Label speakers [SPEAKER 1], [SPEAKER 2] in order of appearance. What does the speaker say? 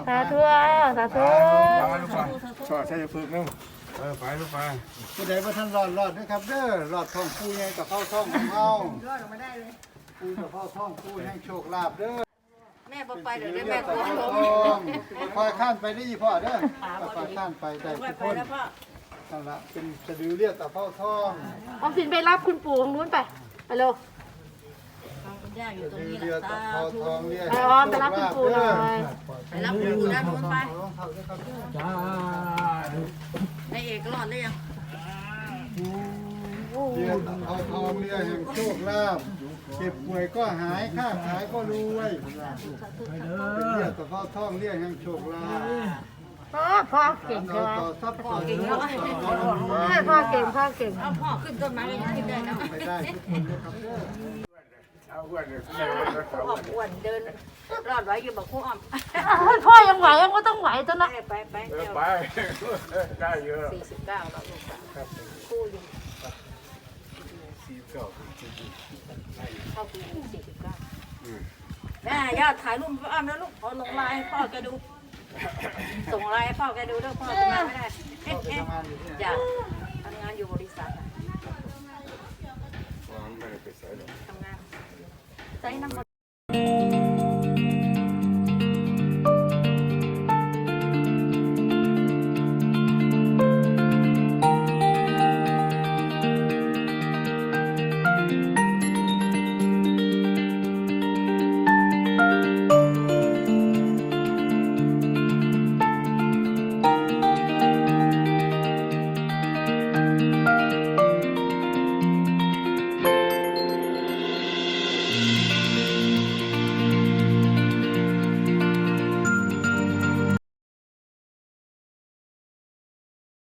[SPEAKER 1] สาธุสาธุ
[SPEAKER 2] ชอบใช้ฝึกนึงไปลูกไป
[SPEAKER 3] ผู้ใดว่าท่านรอดนะครับเด้อรอดท้องปูใหญ่กับเข้าท้องของเฮารอดออกมาได้เลยปูกับเข้าท้องปูแห่งโชคลาภเด้อ
[SPEAKER 1] แม่ไปเดี๋ยวได้แม่กลัวลม
[SPEAKER 3] คอยข้านไปได้พ่อเด้อคอยข้านไปได้ทุกคนนั่นละเป็นสะดือเรียกกับเข้าท้อง
[SPEAKER 1] ออมสินไปรับคุณปู่ตรงนู้นไปเร็ว
[SPEAKER 3] สะดือเรียกกับเข้าท้องเรียก
[SPEAKER 1] ไปออมไปรับคุณปู่หน่อย
[SPEAKER 4] ไปรับคุณปู่ด้านนู้นไป
[SPEAKER 2] จ้า
[SPEAKER 4] ในเอกรอดได้ยัง
[SPEAKER 3] เรียกกับเข้าท้องเรียกแห่งโชคลาภเจ็บป่วยก็หายค้าขายก็รวยเป็นเรียกกับเข้าท้องเรียกแห่งโชคลาภ
[SPEAKER 1] พ่อเก่ง
[SPEAKER 3] เรา
[SPEAKER 1] ใช่ไหม
[SPEAKER 3] ต่อทรัพย์ต่อเงิน
[SPEAKER 1] พ่อเก่งพ่อเก่ง
[SPEAKER 4] เอาพ่อขึ้นต้นไม้ก็ยังขึ้นได้นะ
[SPEAKER 3] ไปได้ทุกคนนะครับเด้อ
[SPEAKER 2] เอาอ้วนเลย
[SPEAKER 4] อ้อมอ้วนเดินรอดไว้อยู่บอกคู่อ้อม
[SPEAKER 1] พ่อยังไหวยังก็ต้องไหวตัวนะ
[SPEAKER 4] ไปเดี๋ยว
[SPEAKER 2] ไปได้เยอะ
[SPEAKER 4] 49แล้วลูกคู่อยู่เข้าปี49แม่ยอดถ่ายรูปอ้อมแล้วลูกเอาลงไลน์ให้พ่อแกดูส่งไลน์ให้พ่อแกดูด้วยพ่อทำงานไม่ได้
[SPEAKER 3] เข้าไปทำงานอยู่ที่ไหน
[SPEAKER 4] จ้ะทำงานอยู่บริษัท
[SPEAKER 2] ไม่ได้ไปใส่หรอก
[SPEAKER 4] ทำงานใช้น้ำ